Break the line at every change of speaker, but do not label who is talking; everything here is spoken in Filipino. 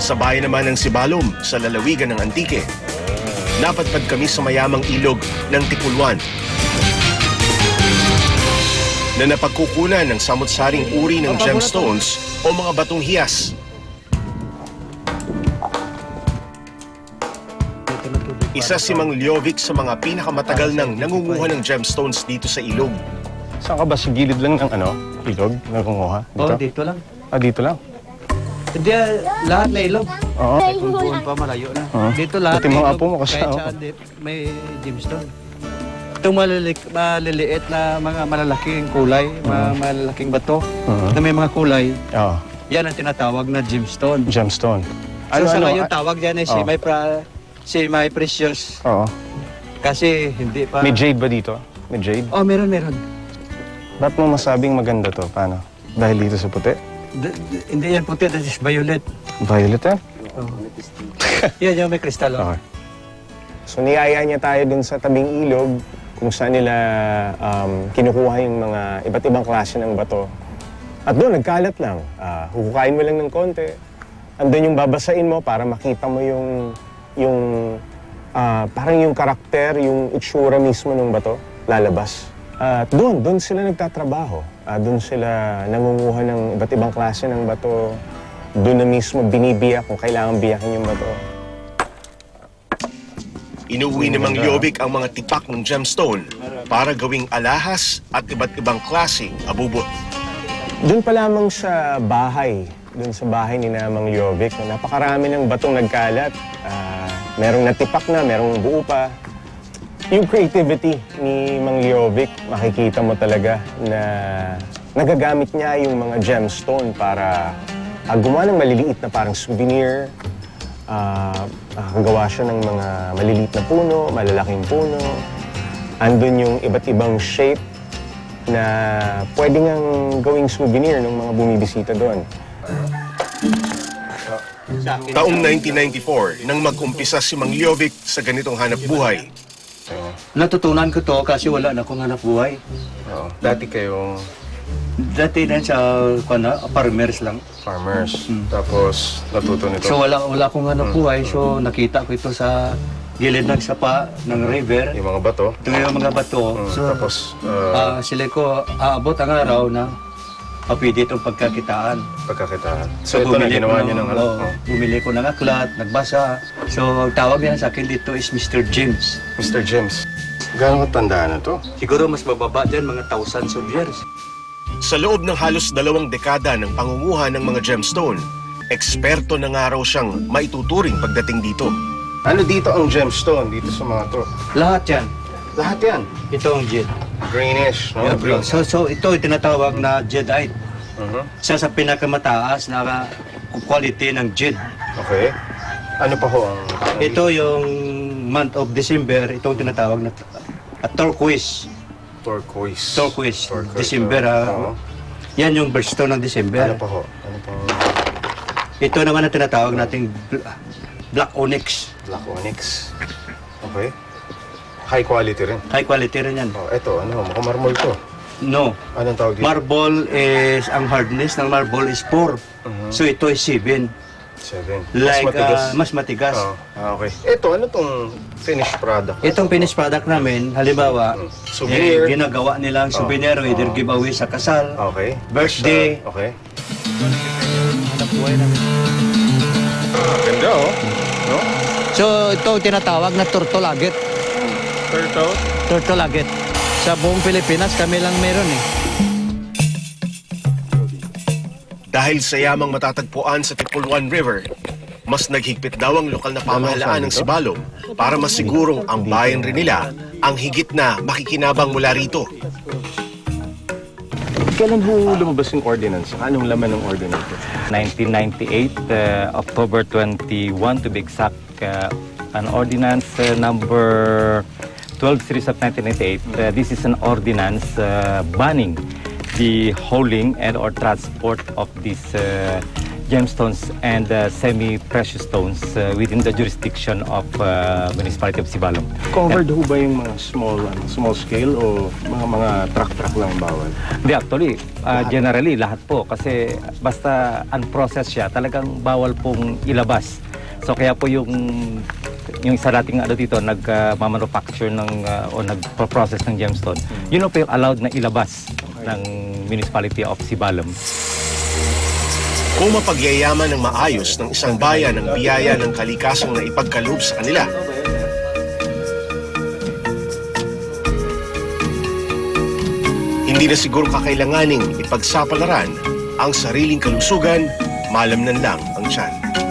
Sa bayan naman ng Sibalom, sa lalawigan ng Antique, napadpad kami sa mayamang ilog ng Tipulwan na napagkukunan ng samut-saring uri ng gemstones o mga batong hiyas. Isa si Mang Ljovic sa mga pinakamatagal nang nangunguha ng gemstones dito sa ilog.
Saan ka ba? Sa gilid lang ng ilog? Nangunguha? Dito?
Oo, dito lang.
Ah, dito lang?
Hindi, lahat na ilog.
Oo.
Kung doon pa, malayo na. Dito lahat
Pati
na
mga
ilog.
apo mo kasi,
Kahit
oh.
saan may gemstone. Itong maliliit na mga malalaking kulay, mga malalaking bato na may mga kulay,
Oo.
yan ang tinatawag na gemstone.
Gemstone.
So sa ngayon tawag yan ay
Oh.
semi-precious.
Oo.
Kasi hindi pa...
May jade ba dito? May jade?
Oh, meron.
Ba't mo masabing maganda to? Paano? Dahil dito sa puti?
Hindi yan puti, that is violet.
Violet eh?
Oh. Yan yung may kristal. Oh.
Okay. So niyaya niya tayo dun sa tabing ilog kung saan nila kinukuha yung mga iba't ibang klase ng bato. At doon, nagkalat lang. Hukukain mo lang ng konti. Andun yung babasain mo para makita mo parang yung karakter, yung itsura mismo ng bato, lalabas. At doon sila nagtatrabaho. Doon sila nangunguha ng iba't ibang klase ng bato. Doon na mismo binibiyak kung kailangan biyakin yung bato.
Inuwi ni Mang Ljovic ang mga tipak ng gemstone para gawing alahas at iba't ibang klaseng abubot.
Doon pa lamang sa bahay, doon sa bahay ni Mang Ljovic, napakarami ng batong nagkalat. Merong natipak na, merong buo pa. Yung creativity ni Mang Ljovic, makikita mo talaga na nagagamit niya yung mga gemstone para gumawa ng maliliit na parang souvenir. Nakakagawa siya ng mga maliliit na puno, malalaking puno. Andun yung iba't ibang shape na pwede ngang gawing souvenir ng mga bumibisita doon.
Taong 1994 nang mag-umpisa si Mang Ljovic sa ganitong hanap buhay.
Natutunan ko to kasi wala na akong hanap buhay.
Dati kayong
Dati na sa farmers lang.
farmers, tapos natuto nito.
So wala akong hanap buhay. So nakita ko ito sa gilid ng sapa ng river.
Yung mga bato.
Ito yung mga bato. So
Tapos
sila ko aabot ang araw na pwede itong pagkakitaan.
pagkakitaan. So ito na ginawa niyo ng
Bumili ko ng aklat, nagbasa. So ang tawag niya sa akin dito is Mr. James.
Mr. James, gaano katandaan na to?
Siguro mas mababa dyan, mga thousands of years.
Sa loob ng halos 2 dekada ng pangunguha ng mga gemstone, eksperto na nga raw siyang maituturing pagdating dito.
Ano dito ang gemstone dito sa mga to?
Lahat yan.
Lahat yan.
Ito ang jade.
Greenish, no?
Yeah, bro. So ito yung tinatawag na jadeite.
Mhm.
Isa sa pinakamataas na quality ng jade.
Okay. Ano pa ho ang...
Ito yung month of December, itong tinatawag na turquoise.
Turquoise.
Turquoise. December,
Oo.
Yan yung birthstone ng December.
Ano pa ho? Ano pa?
Ito naman ang tinatawag nating black onyx.
Black onyx. Okay. High quality rin.
High quality rin yan.
Oh, eto, ano, mukhang marmol to.
No.
Anong tawag dito?
Marble is, ang hardness ng marble is 4. So ito is 7.
7.
Like,
mas matigas.
mas matigas.
Oh, okay. Ito, ano tong finished product?
Itong finished product namin, halimbawa,
Souvenir.
ginagawa nilang souvenir, either giveaway sa kasal,
Okay.
birthday.
Okay.
Hanap buhay namin.
Ganda, oh. No?
So ito tinatawag na turtle agate.
Turtle?
Turtle agate. Sa buong Pilipinas kami lang meron eh.
Dahil sa yamang matatagpuan sa Tipulwan River, mas naghigpit daw ang lokal na pamahalaan ng Sibalom para masigurong ang bayan rin nila ang higit na makikinabang mula rito.
Kailan ho lumabas yung ordinance? Anong laman ng ordinance?
1998, October 21 to be exact, an ordinance number 12 series of 1998. This is an ordinance banning the hauling and or transport of these gemstones and semi-precious stones within the jurisdiction of municipality of Sibalom.
Covered ho ba yung mga small scale o mga truck lang bawal?
Hindi, actually, generally, lahat po. Kasi basta unprocessed siya, talagang bawal pong ilabas. So kaya po yung isa nating dito, nag-manufacture o nag-process ng gemstone, yun po yung allowed na ilabas ng municipality of Sibalom.
Kung mapagyayaman ng maayos ng isang bayan ang biyaya ng kalikasang na ipagkaloob sa kanila, hindi na siguro kakailanganing ipagsapalaran ang sariling kalusugan, malamnan lang ang tiyan.